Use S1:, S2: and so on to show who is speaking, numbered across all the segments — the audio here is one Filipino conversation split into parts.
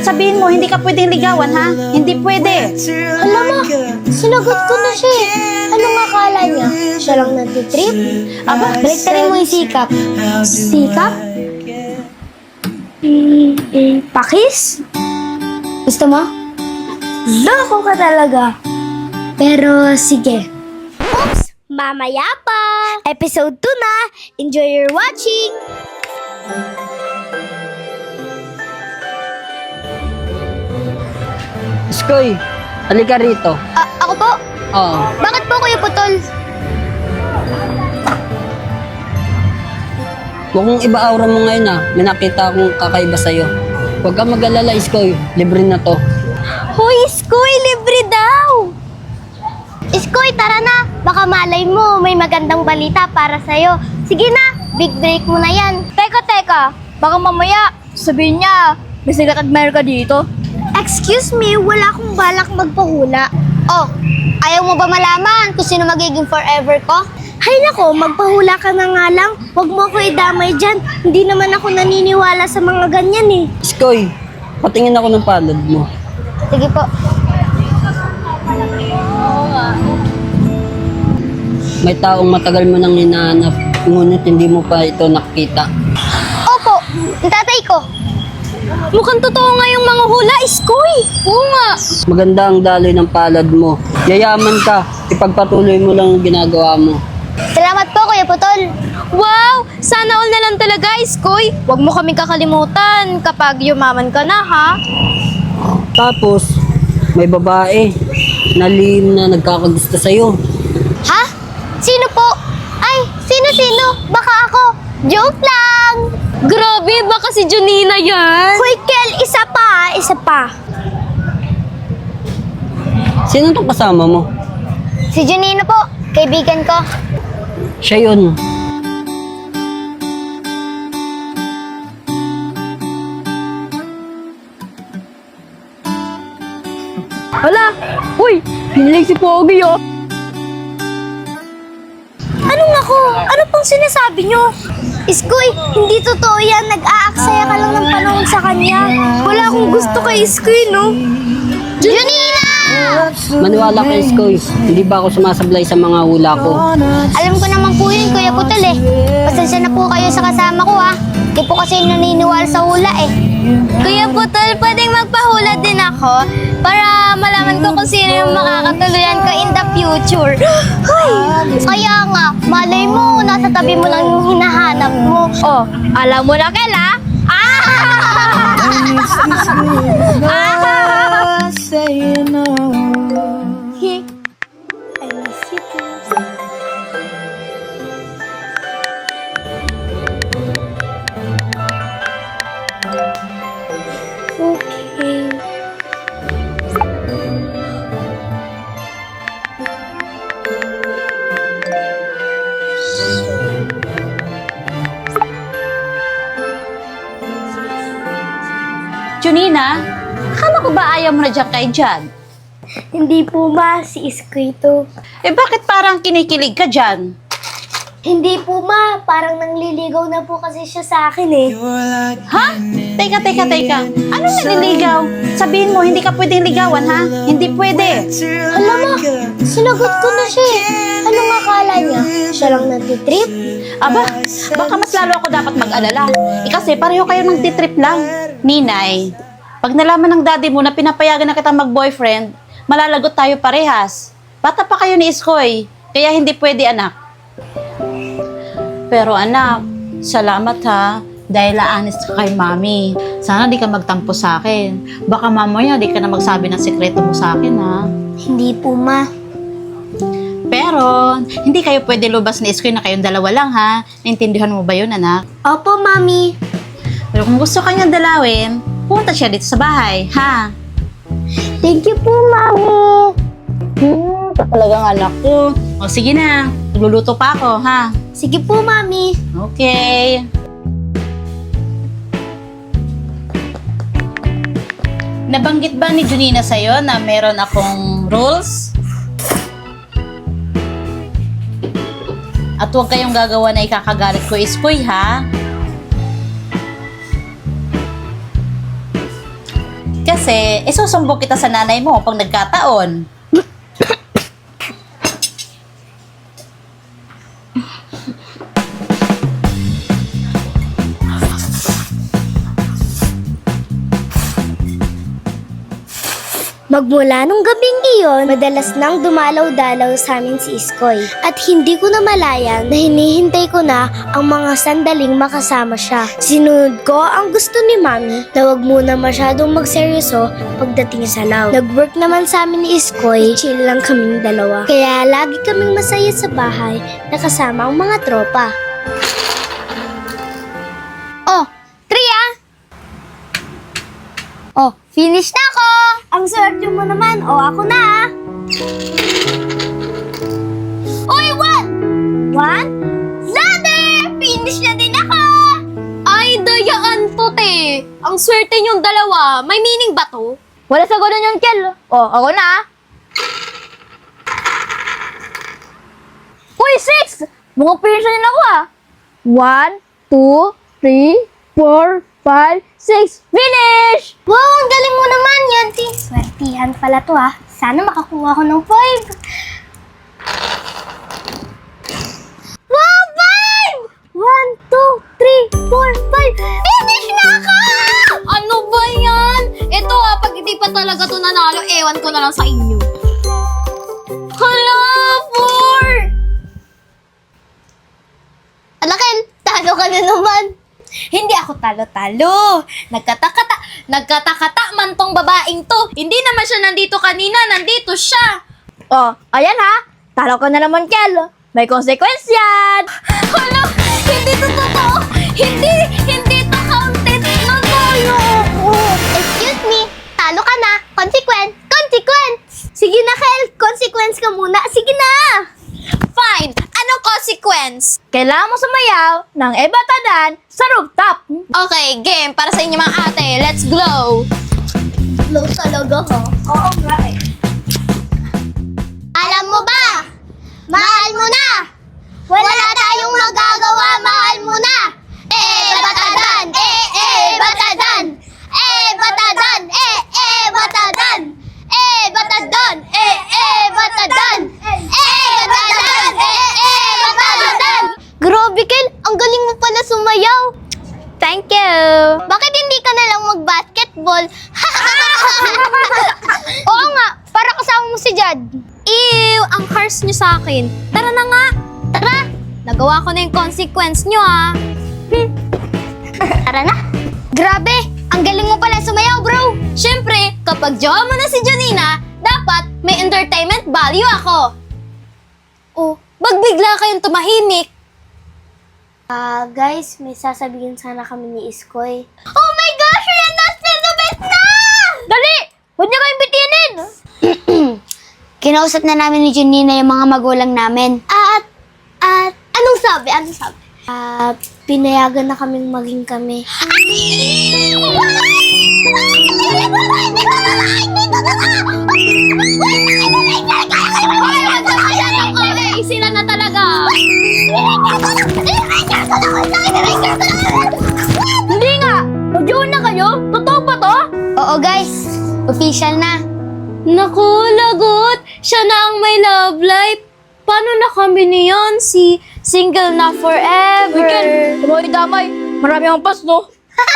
S1: sabihin mo, hindi ka pwedeng ligawan, ha? Hindi pwede.
S2: Alam mo, sinagot ko na siya eh. Anong akala niya? Siya lang nagtitrip?
S1: Aba,
S2: Baliktarin mo yung sikap. Sikap? Pakis? Gusto mo? Loko ka talaga. Pero sige. Oops! Mamaya pa! Episode 2 na! Enjoy your watching!
S3: Iskoy, halika rito.
S2: Ako po?
S3: Oo.
S2: Bakit po Kuya Putol?
S3: Mukhang iba aura mo ngayon ah. May nakita akong kakaiba sa'yo. Huwag kang mag-alala, Iskoy. Libre na to.
S2: Hoy, Iskoy! Libre daw! Iskoy, tara na! Baka malay mo, may magandang balita para sa'yo. Sige na, big break mo na yan. Teka. Baka mamaya, sabihin niya, may sigat admirer ka dito. Excuse me, wala akong balak magpahula. Oh, ayaw mo ba malaman kung sino magiging forever ko? Hay nako, magpahula ka na nga lang. Huwag mo ako idamay dyan. Hindi naman ako naniniwala sa mga ganyan eh.
S3: Iskoy, patingin ako ng palad mo.
S2: Sige po.
S3: May taong matagal mo nang hinahanap, ngunit hindi mo pa ito nakita.
S2: Opo, ang tatay ko. Mukhang totoo nga yung mga hula, Iskoy. Oo nga.
S3: Maganda ang daloy ng palad mo. Yayaman ka, ipagpatuloy mo lang ang ginagawa mo.
S2: Salamat po, Kuya Putol. Wow! Sana all na lang talaga, Iskoy. Huwag mo kaming kakalimutan kapag yumaman ka na, ha?
S3: Tapos, may babae na lihim na nagkakagusto sa'yo.
S2: Ha? Sino po? Ay, sino? Baka ako. Joke lang! Grabe, baka si Junina yan. Hoy, Kel, isa pa.
S3: Sino tong kasama mo?
S2: Si Junina po, kaibigan ko.
S3: Siya yun.
S2: Hala! Uy! Pinilig si Pogi, oh! Anong ako? Ano pong sinasabi nyo? Iskoy, hindi totoo yan. Nag-aaksaya ka lang ng panahon sa kanya. Wala akong gusto kay Iskoy, no? Junina!
S3: Maniwala ka, Iskoy. Hindi ba ako sumasablay sa mga hula ko?
S2: Alam ko naman po yun, Kuya Putol, eh. Pasensya na po kayo sa kasama ko, ha? Di po kasi naniniwala sa hula, eh. Kuya Putol, pwedeng magpahula din ako para malaman ko kung sino yung makakatuluyan ko in the future. Hoy! Kaya nga, malay mo, nasa tabi mo lang yung hinahanap mo. Oh, alam mo na, Kela? I miss you too. Okay.
S1: Junina, akala ko ba ayaw mo na dyan kay Jan?
S2: Hindi po ma, si Iskoy to.
S1: Eh bakit parang kinikilig ka dyan?
S2: Hindi po ma, parang nangliligaw na po kasi siya sa akin eh.
S1: Ha? Teka. Anong naliligaw? Sabihin mo, hindi ka pwedeng ligawan, ha? Hindi pwede.
S2: Alam mo, sinagot ko na siya eh. Anong akala niya? Siya lang nagtitrip?
S1: Aba, baka mas lalo ako dapat mag-alala. Eh kasi pareho kayo nagtitrip lang. Ninay, pag nalaman ng daddy mo na pinapayagan na kitang mag-boyfriend, malalagot tayo parehas. Bata pa kayo ni Iskoy, kaya hindi pwede, anak. Pero anak, salamat ha. Dahil honest ka kay mami. Sana di ka magtampo sa akin. Baka mamaya di ka na magsabi ng sekreto mo sa akin, ha?
S2: Hindi po ma.
S1: Pero, hindi kayo pwede lubas ni Iskoy na kayong dalawa lang, ha? Naintindihan mo ba yun, anak?
S2: Opo mami.
S1: Pero kung gusto kanyang dalawin, pumunta siya dito sa bahay, ha?
S2: Thank you po mami.
S1: Talagang anak ko. O sige na, nagluluto pa ako, ha?
S2: Sige po mami.
S1: Okay. Nabanggit ba ni Junina sa'yo na meron akong rules? At huwag kayong gagawa na ikakagalit ko, Iskoy, ha? Kasi, isusumbong kita sa nanay mo pag nagkataon.
S2: Magmula nung gabing iyon, madalas nang dumalaw-dalaw sa amin si Iskoy. At hindi ko na malayan na hinihintay ko na ang mga sandaling makasama siya. Sinunod ko ang gusto ni Mami na wag muna masyadong magseryoso pagdating sa law. Nag-work naman sa amin ni Iskoy, chill lang kaming dalawa. Kaya lagi kaming masaya sa bahay na kasama ang mga tropa. Oh, Tria! Oh, finish na ako! Ang swerte mo naman, ako na! Uy, One? Ladder! Finish na din ako!
S4: Ay, dayaan to, te. Ang swerte niyong dalawa. May meaning ba to?
S2: Wala sa ganun yung Kel. Ako na! Uy, 6! Mukhang finish na din ako 1, 2, 3, 4, 5, 6. Finish! Wow, ang galing mo naman, Yanti. Swertihan pala to Sana makakuha ko ng 5. Wow, 5! 1, 2, 3, 4, 5. Finish na ako!
S4: Ano ba yan? Ito pag hindi pa talaga to nanalo, ewan ko na lang sa inyo. Hala, 4!
S2: Alakin, talo ka na naman.
S4: Hindi ako talo-talo. Nagkatakata man tong babaeng to. Hindi naman siya nandito kanina, nandito siya.
S2: Ayan Talo ka na naman, Kel. May consequence yan.
S4: Hala, hindi to totoo. Hindi to counted. Nanalo ako.
S2: Excuse me, talo ka na. Consequence. Sige na, Kel. Consequence ka muna. Sige na.
S4: Fine. Anong consequence?
S2: Kailangan mo sumayaw ng ebatadan sa rooftop.
S4: Okay, game. Para sa inyo mga ate. Let's glow.
S2: Low talaga Oo nga Alam mo ba? Mahal mo na! Wala tayong magagawa, mahal mo na! Batadan! Batadan! Batadan! Batadan! Batadan! Batadan! Batadan! Grabe, Kel! Ang galing mo pala sumayaw!
S4: Thank you.
S2: Bakit hindi ka na lang mag-basketball? Oo nga, para kasama mo si Jad.
S4: Ew, ang harsh nyo sa akin. Tara na nga.
S2: Tara!
S4: Nagawa ko na yung consequence nyo
S2: Tara na! Grabe! Ang galing mo pala sumayaw, bro!
S4: Siyempre, kapag jowa mo na si Janina, dapat may entertainment value ako. Oh, bagbigla kayong tumahimik.
S2: Guys, may sasabihin sana kami ni Iskoy. Oh my gosh! Rena's the best na! Dali! Huwag niyo kayong bitinin! Kinausap na namin ni Junina yung mga magulang namin. At, anong sabi? Pinayagan na kaming maging kami.
S4: Okay, sila na talaga.
S2: Hindi nga! Magjoon na kayo? Totoo ba to? Oo guys, official na.
S4: Naku, lagot. Siya na ang may love life. Paano na kami niyon? Si single na forever.
S2: Weekend, tumoy damay. Marami akong pas, no?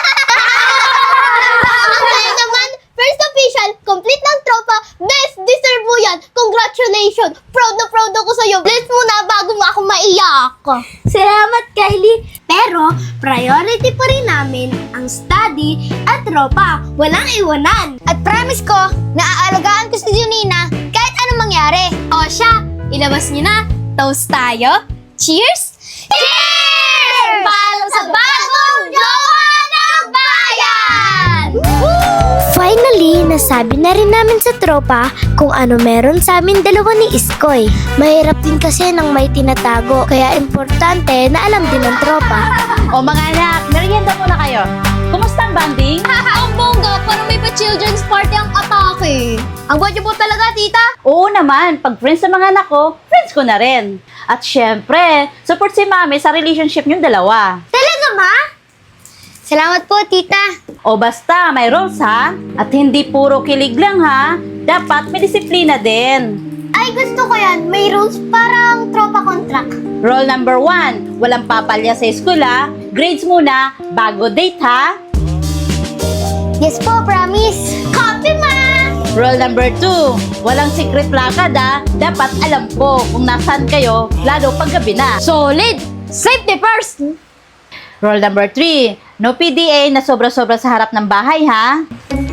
S2: Kaya naman, first official, complete ng tropa, best deserve mo yan. Congratulations! Proud na proud ako sa'yo. Bless mo na bago mo ako maiyak. Salamat, Kylie. Pero, priority pa rin namin ang study at tropa. Walang iwanan. At promise ko, naaalagaan ko si Junina kahit anong mangyari.
S4: O siya, ilabas niyo na. Toast tayo. Cheers!
S2: Cheers! Para sa bagong jowa ng bayan! Finally, nasabi na rin namin sa tropa kung ano meron sa amin dalawa ni Iskoy. Mahirap din kasi nang may tinatago, kaya importante na alam din ng tropa.
S1: O mga anak, merienda muna kayo. Kumusta ang banding?
S4: Ang bongga, parang may pa-children's party ang atake.
S2: Ang gwapo po talaga, tita.
S1: Oo naman, pag friends sa mga anak ko, friends ko na rin. At syempre, support si mami sa relationship niyong dalawa.
S2: Talaga, ma? Salamat po, tita.
S1: O basta, may rules ha? At hindi puro kilig lang ha? Dapat may disiplina din.
S2: Ay, gusto ko yan. May rules parang tropa contract.
S1: Rule number 1, walang papalya sa school ha? Grades muna, bago date ha?
S2: Yes po, promise. Copy, ma!
S1: Rule number 2, walang secret lakad ha? Dapat alam ko kung nasaan kayo, lalo pag gabi na.
S4: Solid! Safety first!
S1: Rule number 3, no PDA na sobra-sobra sa harap ng bahay ha?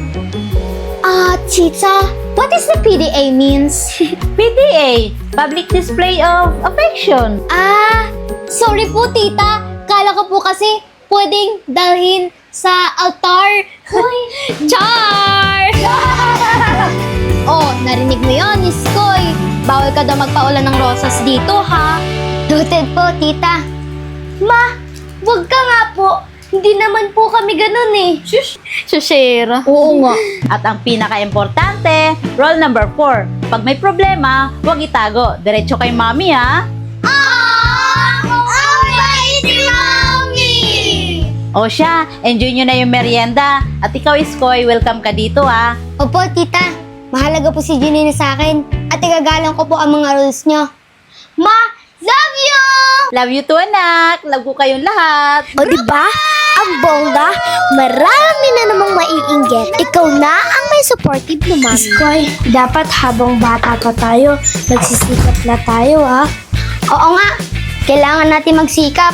S2: Tita,
S4: What is the PDA means?
S1: PDA, public display of affection.
S4: Sorry po, tita. Kala ko po kasi pwedeng dalhin sa altar. Char! Oh, narinig mo yun, Iskoy. Bawal ka daw magpaulan ng rosas dito, ha?
S2: noted po, tita. Ma, wag ka nga po. Hindi naman po kami ganun eh.
S4: Sushera.
S1: Oo nga. At ang pinaka-importante, rule number 4, pag may problema, huwag itago. Diretso kay mami ha?
S2: Ang bait ni Mami!
S1: O siya, enjoy nyo na yung merienda. At ikaw, Iskoy, welcome ka dito ha?
S2: Opo, tita. Mahalaga po si Junina sa akin at igagalang ko po ang mga rules nyo. Ma, love you!
S1: Love you too, anak. Love ko kayong lahat.
S2: O diba? Ang bongga, marami na namang maiinggit. Ikaw na ang may supportive na mami. Iskoy, dapat habang bata pa tayo, nagsisikap na tayo ha. Oo nga, kailangan natin magsikap.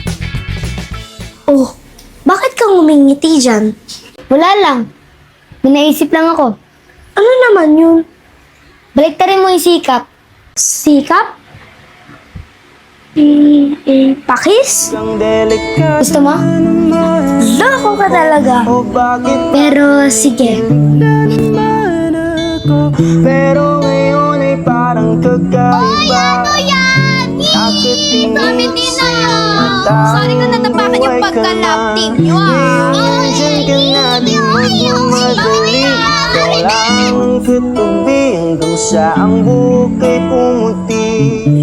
S2: Oh, bakit kang umingiti dyan? Wala lang. May naisip lang ako. Ano naman yun? Baliktarin mo yung sikap. Sikap? Pakis? Gusto mo? Loko ka talaga. Pero sige.
S5: Pero ngayon ay parang kakaiba.
S2: Ano yan?
S5: Bakit
S2: Sabi din na yun.
S4: Sorry kung natapakan yung pagka-love team nyo,
S5: Nandiyan ka na, di magmamadali. Ikaw lang ang katabi hanggang sa ang bukay pumuti.